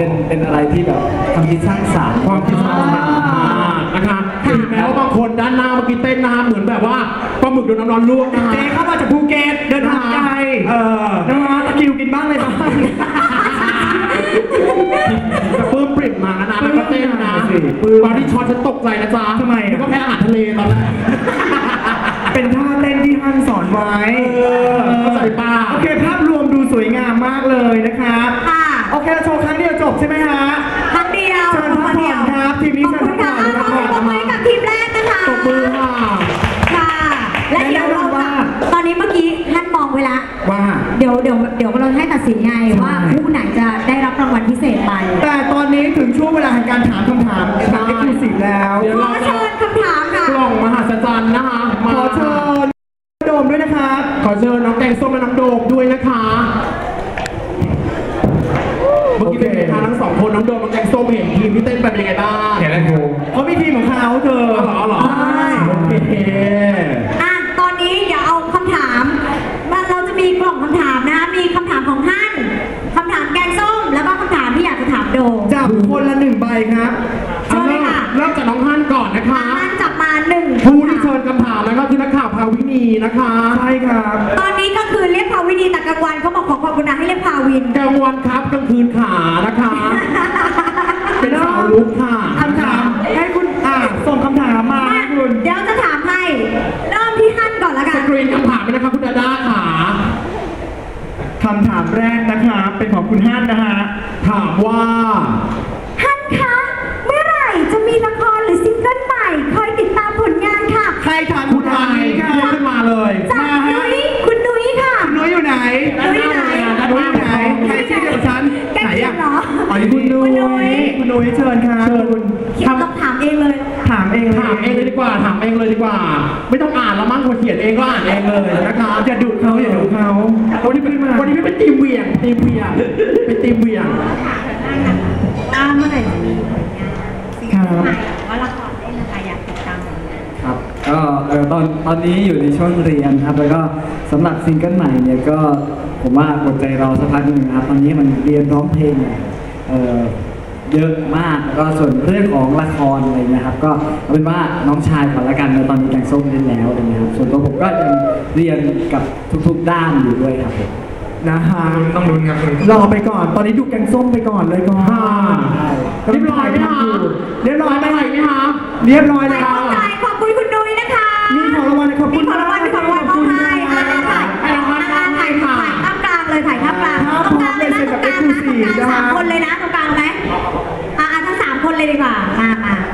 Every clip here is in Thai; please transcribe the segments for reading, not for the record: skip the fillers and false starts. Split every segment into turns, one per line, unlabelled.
เป็นอะไรที่แบบความคิดสร้างสรรค์
ความคิดสร้างสรรค์นะคะถึงแม้ว่าบางคนด้านหน้าเมื่อกี้เต้นนะคะเหมือนแบบว่าปลาหมึกโดนน้ำร้อนลวกนะคะ
เจ๊เข้ามาจากภูเก็ตเดินทางไกลนะฮะตะคิวกินบ้างเลยบ้าง
แต่ปื้มปริ่มมานะแล้วก็เต้นนะตอนที่ช็อตฉันตกใจนะจ๊ะ
ทำไม
ก็แพ้อาหารทะเลตอนแรก
เป็นท่าเต้นที่ท่านสอนไว้
เข้าใจป่ะ
โอเคภาพรวมดูสวยงามมากเลยนะครับโอเคโชว์ครั้งเดียวจบใช่ไหมฮะ
ครั้งเดียว
เชิญพักผ่อนครับทีมนี้เชิญพักผ่อน
ขอบคุณค่ะขอบคุณกับทีมแรกนะคะ
ตบมือค่ะ
ค่ะและเดี๋ยวเราตอนนี้เมื่อกี้ท่านมองไว้ละ
ว่า
เดี๋ยวเราให้ตัดสินไงว่าผู้ไหนจะได้รับรางวัลพิเศษไป
แต่ตอนนี้ถึงช่วงเวลาแห่งการถามคำถามแบบเอ็กซ์คลูซีฟแล้ว
ขอเชิญคำถามค่ะ
กล่องมหัศจรรย์นะคะ
ขอเชิญโดมด้วยนะครับ
ขอเชิญน้องแกงส้มและน้องโดมด้วยนะคะเมื่อกี้เป็นไงคะทั้งสองคนน้องโดมน้องแกงส้มเห็นทีมที่เต้นเป็นยังไงบ้าง
เห็นแล้วครู
เขามีทีมของเขาเธอ
เหรอโอเค
ตอนนี้เดี๋ยวเอาคำถามเราจะมีกล่องคำถามนะมีคำถามของท่านคำถามแกงส้มแล้วก็คำถามที่อยากจะถามโดม
จับคนละ1 ใบครับ
เชิญเลยค่ะ
เริ่มจากน้องฮั่นก่อนนะคะ
ฮั่นจับมา1
ผู้ที่เชิญคำถามแล้วก็คือนักข่าวภาวินีนะคะ
ใช่ครับ
ตอนนี้ก็คือเรียกภาวินีแต่กลางวันเขาบอกขอความกรุณาให้เรียกภาวิน
กลางวันครับกลางคืนขานะคะเป็นสาวลุกค่ะ
คำถามให้คุณส่งคำถามมาคุณ
เดี๋ยวจะถามให้เริ่มที่ฮั่นก่อนแล้วกัน
สกรีนคำถามไปนะคะคุณดาด้าค่ะ
คำถามแรกนะคะเป็นของคุณฮั่นนะฮะ
ถามว่า
ฮั่นคะเมื่อไหร่จะมีละครหรือซิงเกิลใหม่คอยติดตามผลงานค่ะ
ใครถามคุณฮั่นค่ะ
ขึ้นมาเลย
จากนุ้ยคุณนุ้ยค่ะ
คุณนุ้ยอยู่ไหน
นุ้ยไหน
ใครชื่อเดียวฉัน
ไหนอะ
อ๋อนี่คุณนุ้ยเชิญค่ะ
คุณต้องถามเองเลย
ถามเอง
เลยดีกว่าถามเองเลยดีกว่าไม่ต้องอ่านแล้วมั้งคนเขียนเองก็อ่านเองเลยนะคะ
อย่าดุเขา
วันนี้ไม่เป็นทีมเวียงเป็นทีมเวียง
เมื่อไหร่จะมีผลงาน
ซิงเกิลใหม่
ว่าละครได้นะคะอยากติดตาม
ครับก็ตอนนี้อยู่ในช่วงเรียนครับแล้วก็สำหรับซิงเกิลใหม่เนี่ยก็ผมว่าอดใจรอสักพักหนึ่งครับตอนนี้มันเรียนร้องเพลงเยอะมากแล้วก็ส่วนเรื่องของละครอะไรนะครับก็เอาเป็นว่าน้องชายขอละกันตอนนี้แกงส้มเล่นแล้วอะไรเงี้ยครับส่วนตัวผมก็ยังเรียนกับทุกๆด้านอยู่ด้วยครับ
นะฮะ
ต้องลุ้นครับ
รอไปก่อนตอนนี้ดูแกงส้มไปก่อนเลยก่อน
เรียบร้อยไหมคะ
เรียบร้อยไหมคะ
เรี
ยบร้อยแล้ว
ขอบคุณคุณนุ้ยนะคะ
มีของรางวัลขอบคุณ
ของรางวัลเขาให้ถ่ายท่ามกลางเลยถ่ายท่ามกลางตรงกลางเลยนะตรงกลางนะ3 คนเลยนะตรงกลางไหมทั้ง3 คนเลยดีกว่ามา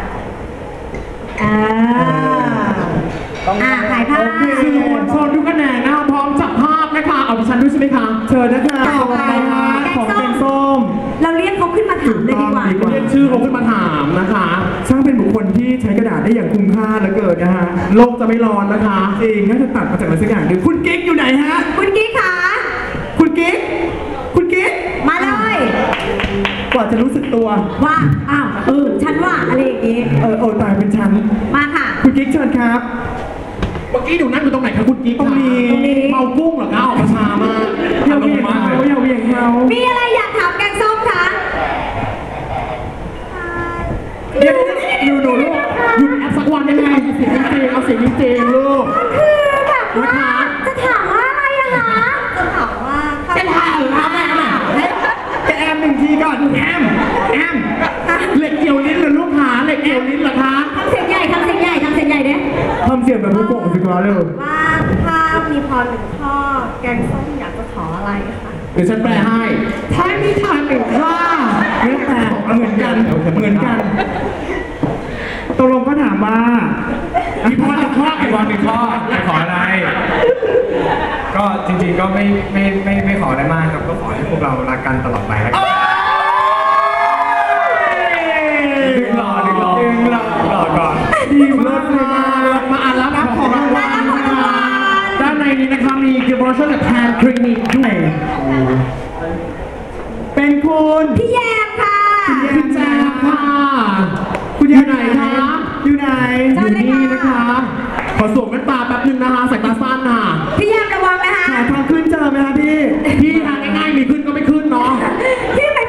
ถ่ายภาพ
โชว์ทุกคะแนนนะคะพร้อมจับภาพนะคะเอาดิฉันด้วยใช่ไหมคะ
เชิญนะคะของแกงส้ม
เราเรียกเขาขึ้นมาถามเลยดีกว่า
เรียกชื่อเขาขึ้นมาถามนะคะ
ช่างเป็นบุคคลที่ใช้กระดาษได้อย่างคุ้มค่าเหลือเกินนะฮะ
โลกจะไม่ร้อนนะคะ
จริงน่าจะตัดมาจากอะไรสักอย่างหนึ่งคุณกิ๊กอยู่ไหนฮะ
คุณกิ๊กค่ะ
คุณกิ๊ก
มาเลย
กว่าจะรู้สึกตัว
ว่าฉันว่าอะไรอย่างงี้
ตายเป็นฉัน
มาค่ะ
คุณกิ๊กเชิญครับ
เมื่อกี้หนูนั่งอยู่ตรงไหนคะคุณกิ๊ก
ตรงนี้
เมากุ้งเหรอคะออกมาช้ามาก
อย่าเวียงเขา
มีอะไรอยากถามแกงส้มคะ
เดี๋ยวลูกหยุดแอปสักวันได้ไหมเอาเสียงจริงลูก
คือแบบว่าจะถามว่าอะไรอะคะจะถามว่า
จะถาม
แอม1 ทีก่อนแอม
เหล็กเกี่ยวลิ้นหรือลูกหาเหล็กเกี่ยวลิ้นเหรอคะ
ทำเสียงใหญ่เด้
ทำเสียงแบบผู้โกงสิครับเลย
ว่าถ้ามีพร1 ข้อแกงส้มอยากจะขออะไรคะ
เดี๋ยวฉันแปลให้ถ้ามีทาง1 ข้อ
ไม่แปลเหมือนกันตกลงก็ถามว่า
มีพร1 ข้อกี่วัน1 ข้อจะขออะไรก็จริงๆก็ไม่ขออะไรมากครับก็ขอให้พวกเรารักกันตลอดไปแล้วกันดึงหล่อก่อน
ดีมากเลย
มาอ่านรับของรางวัลด้านในนี้นะคะมีกิฟต์วอเชอร์จากแทนคลินิกด้วย
เป็นคุณ
พี่แยมค่ะ
คุณแจมค่ะ
คุณ
อยู่ไหนคะ
อยู่
นี่นะคะขอสวมแว่นตาแป๊บนึงนะคะสายตาสั้นค่ะ
พี่แยมระวังนะคะ
ทางขึ้นเจอไหมคะพี่
ทางง่ายๆมีขึ้นก็ไม่ขึ้นเนาะ
พี่เป็น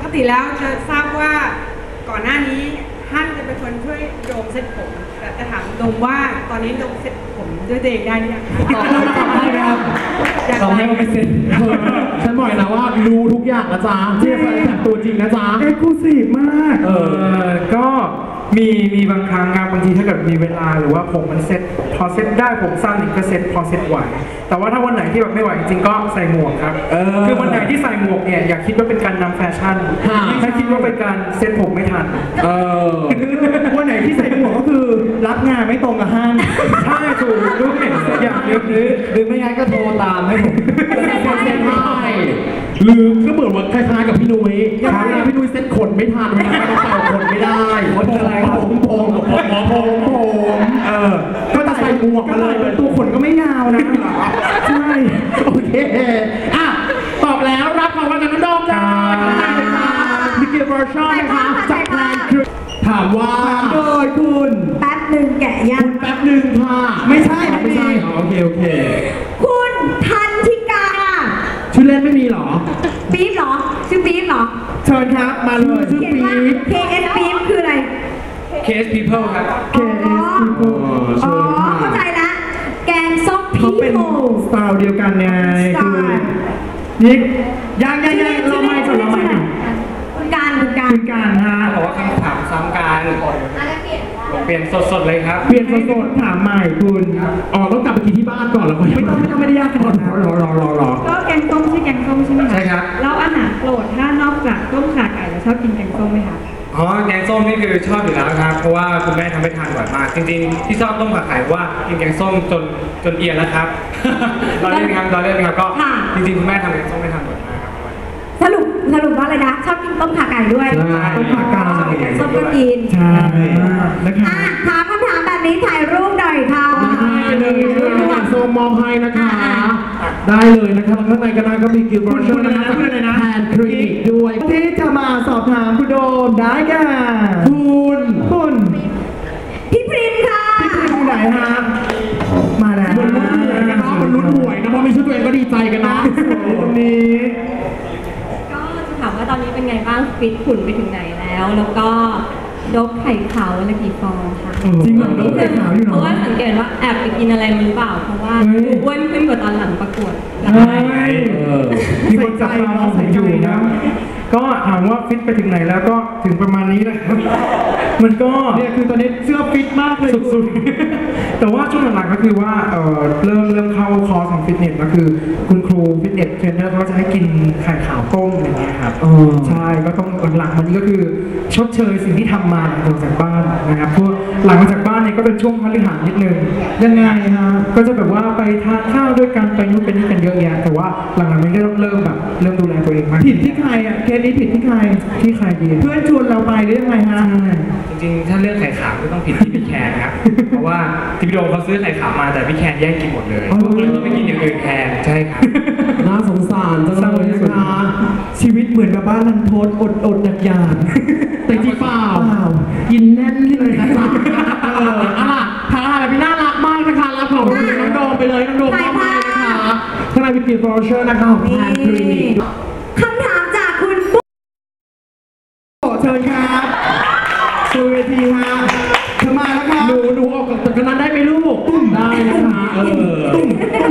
ติแล้วจะทราบว่าก่อนหน้านี้ท่านจะเป็นคนช่วยโดมเซ็ตผมแต่จะถามโดมว่าตอนนี้โดมเซ็ตผมด้วยตัวเองได้หรือยังคะ
ได้ไหมครับลองให้มันเป็นเซ็น
ฉันบอกเลยนะว่ารู้ทุกอย่างนะจ๊ะเจ๊แฟนคลับตัวจริงนะจ๊ะ
เอ็กซ์คลูซีฟมาก
ก็มีบางครั้งครับบางทีถ้าเกิดมีเวลาหรือว่าผมมันเซ็ตพอเซ็ตได้ผมสั้นอีกก็เซ็ตพอเซ็ตไหวแต่ว่าถ้าวันไหนที่แบบไม่ไหวจริงๆก็ใส่หมวกครับคือวันไหนที่ใส่หมวกเนี่ยอย่าคิดว่าเป็นการนำแฟชั่นถ้าคิดว่าเป็นการเซ็ตผมไม่ทัน
วันไหนที่ใส่หมวกก็คือรับงานไม่ตรงกับห้าง
ใช่ถูกด้วยอย่างเดียว
หรือไม่งั้นก็โทรตามให้ผม
เซ็นให้หรือก็เหมือนว่าคล้ายๆกับพี่นุ้ยพี่นุ้ยเซ็ตขนไม่ทันเวลาเราเป่าขนไม่ได้ขนอะไรครับผมก็จะใส่หมวกมาเลย
ตัวขนก็ไม่ยาวนะ ใช่
โอเคอ่ะตอบแล้วรับของรางวัลจากน้องโดมเลยมิเกลเวอร์ชันนะคะจากแพลนคือถามว่า
โดยคุณ
แป๊บหนึ่งแกะยั
คุ
ง
ณแป๊บหนึ่งค่ะ
ไม่ใช่
ไม่ใช่โอเค
คุณทันทิกา
ชื่อเล่นไม่มีหรอ
ปี๊บเหรอ ชื่อปี๊บเหรอ
เชิญครับมาเลย
ชื่อ
เขียน
ปี๊
ว่า
บ
KS ปี๊บคืออะไร
Case People ครับ
อ๋อเข้าใจละแกงส้มพี
เขาเป็น
โม
สไตล์เดียวกันไง
สไต
คือ
ล์
นิกยังเราไม่ก่อนเราไม่ก่อน
คุณการคุณการ
คุณการฮะ
บอกว่าคำถามซ้ำกันเปลี่ยนสดๆเลยครับ
เปลี่ยนสดๆถามใหม่คุณ
อ๋อต้องกลับไปกินที่บ้านก่อนแล้วก็
ไม่ต้องไม่ได้ยากขนาดนั้น
รอ
ก็แกงส้มใช่แกงส้มใช่ไหมคะ
ใช่ครับ
แล้วอาหารโปรดถ้านอกจากต้มข่าไก่แล้วชอบกินแกงส้มไหมคะ
อ๋อแกงส้มนี่คือชอบอยู่แล้วครับเพราะว่าคุณแม่ทำให้ทานบ่อยมาก จริงๆที่ชอบต้มผัดไข่เพราะว่ากินแกงส้มจนเอียนแล้วครับ เราเล่นครับก็จริงๆคุณแม่ทำแกงส้มให้ทานบ่อยมากครับ
สรุปว่าอะไรนะ ชอบกินต้มข่าไก่ด้วย
ต้มผักกาด
แกงส้มก็กิน
ใช่นะคะ
อ่ะถามคำถามแบบนี้ถ่ายรูปหน่อยค่ะ
ได้เลยค่ะโซมมให้นะคะ ได้เลยนะครับข้างในก็ได้ก็มีกิลบอร์ชันนะคะแทนคลินิกด้วย
ที่จะมาสอบถามคุณโดมได้แก่
คุณ
พี่พริมค่ะ
พี่พริมอยู่ไหนฮะมาแล้ว
มันลุ้นหวยกันเนาะมันลุ้นหวยนะเพราะมีชื่อตัวเองก็ดีใจกันนะ
คนนี้
ก็จะถามว่าตอนนี้เป็นไงบ้างฟิตหุ่นไปถึงไหนแล้ว แล้วก็ดบไข่ขาววันละกี่ฟองค่ะ
จริงเหรอโดมไข่ขาวอยู่
เพ
เนาะ
ราะว่าสังเกตว่าแอบไปกินอะไรมาหรือเปล่า เพราะว่าอ้วนขึ้นกว่าตอนหลังประกวด
มีคนจับตามองผมอยู่นะ ก็ถามว่าฟิตไปถึงไหนแล้วก็ถึงประมาณนี้นะครับ มันก็
เนี่ยคือตอนนี้เสื้อฟิตมากเลย
สุดๆ แต่ว่าช่วงหลังๆก็คือว่าเริ่มเข้าคอร์สของฟิตเนสก็คือคุณครูฟิตเนสเทรนเนอร์เขาจะให้กินไข่ขาวต้มอย่างเงี้ยครับใช่ก็ต้องหลังๆมันนี้ก็คือชดเชยสิ่งที่ทำมาหลังจากบ้านนะครับเพราะหลังจากบ้านเนี่ยก็เป็นช่วงพฤหัสนิดนึง
ยังไงฮะ
ก็จะแบบว่าไปทานข้าวด้วยกันไปนู่นไปนี่กันเยอะแยะแต่ว่าหลังๆมันก็ต้องเริ่มดูแลตัวเองมาก
ผิดที่ใครอ่ะเคสนี้ผิดที่ใคร
ที่ใครดี
เพื่อนชวนเราไปหรือยังไงฮะ
จริงๆถ้าเรื่องไข่ขาวก็ต้องผิดที่พี่แคนครับ เพราะว่าที่พี่โดมเขาซื้อไข่ขาวมาแต่พี่แคนแย่งกินหมดเลยเลยต้องไปกินอย่างอื่นแทนใช่ครับ
น่าสงสารจังเลยนะคะ
ชีวิตเหมือนกับบ้านลันทดอดอยาก
แต่จริงเปล่า กินแน่นเลยนะจ๊ะเอาล่ะทางอะไรเป็นน่ารักมากนะคะรับของคุณน้องโดมไปเลยน้องโดมมอบให้นะคะข้างในมีกิลบอร์ชันนะคะของแทนคลินิก
คำถามจากคุณปุ๊ก
ขอเชิญครับสู่เวทีฮะเธอมาแล้วครับ
หนูออกจากกันนั้นได้ไหมลูกได้นะคะ
ตุ้ม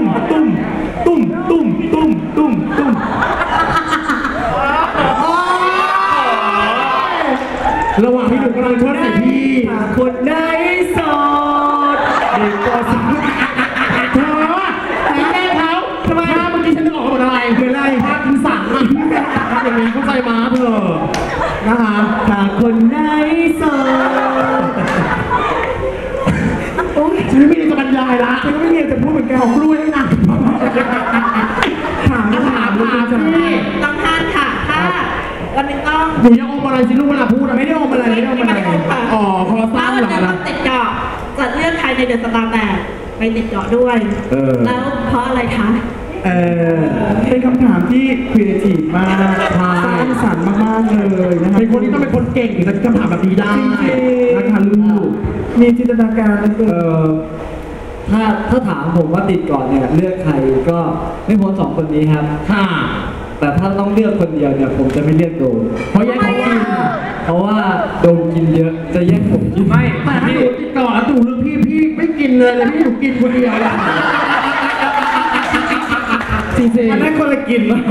ระหว่างที่หนูกำลังชดใส่พี่
คนไหนโสดเด็กก็สาว
เธอแม่เขาทำไมเมื่อกี้ฉันนึกออกหมดอะไรภาพกินสันอ่ะอย่างนี้เข้าใจมาเธอนะคะ
ถ้าคนไหนโสด
ฉันไม่มีจะบรรยายละ
ฉันก็ไม่มีจะพูดเหมือนกัน
ของกล้วยนะ
ถาม
พี่
ต้องทานค่ะ ถ้าวันหนึงต้อง
หนูยังอมอะไรสิลูกเวลาพูดอะ
ไม่ได้อมอะไร
อ๋อคอ
ถ้า
สั้น
วัน
เหร
หนึง
อ
ต้องติดเจาะจะเลือกใครในเดอะสตาร์แบกไปติดเจาะด้วย แล้วเพราะอะไรคะ
เป็นคำถามที่ครีเอทีฟมากสร้างสรรค์มากๆเลยนะครั
เป็นคนที่ต้องเป็นคนเก่งถึงจะคำถามแบบนี้ได้นะคะลูก
มีจินตนาการนะเกิน
ถ้าถามผมว่าติดก่อนเนี่ยเลือกใครก็ไม่พ้นสองคนนี้ครับ
ค่ะ
แต่ถ้าต้องเลือกคนเดียวเนี่ยผมจะไม่เลือกโดม
เพราะแย่งของกิน
เพราะว่าโดมกินเยอะจะแย่งผมกิน
ไม่
แต่ถ้าหนูติดต่อแล้วดูเรื่องพี่ไม่กินเลยพี่หนูกินคนเดียวอะจริงๆ
อันนั้นคนละกินนะ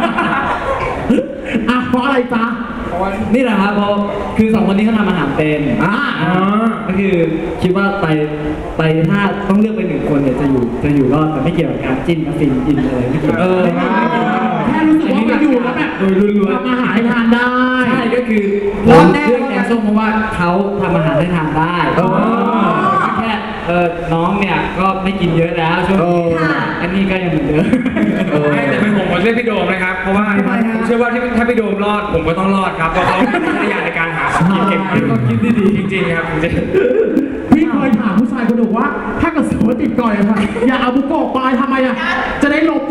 อ่ะเพราะอะไรจ๊ะ
นี่แหละครับเพราะคือ2คนนี้เขาทำอาหารเป็น ก็คือคิดว่าไปถ้าต้องเลือกไป1คนเนี่ยจะอยู่รอดแต่ไม่เกี่ยวกับการจิ้นกับฟินอินอะไรไม่เกี่ยว
แค่รู้สึกว่ามันอยู่แล้วแบบ
โดยล้วน
ทำอาหารให้ทานได้
ใช่ก็คือ
รอด
ผม
แน่
เลือกแกงส้มเพราะว่าเขาทำอาหารให้ทานได้แค่น้องเนี่ยก็ไม่กินเยอะแล้วช่วงนี้อันนี้ก็ยังเหมือนเดิม
ไม่แต่เป็นผมเลือกพี่โดมนะครับ เพราะว่าผมเชื่อว่าถ้าพี่โดมรอดผมก็ต้องรอดครับเพราะเขามีวิทยาในการหาของกินเก่ง
ต้องคิดดีๆ
จริงๆครับจริง
พี่เคยถามผู้ชายคนหนึ่งว่า ถ้าเกิดสมมติติดก่อยอะค่ะอย่าเอาบุกโกะไปทำไมอะจะได้ลบ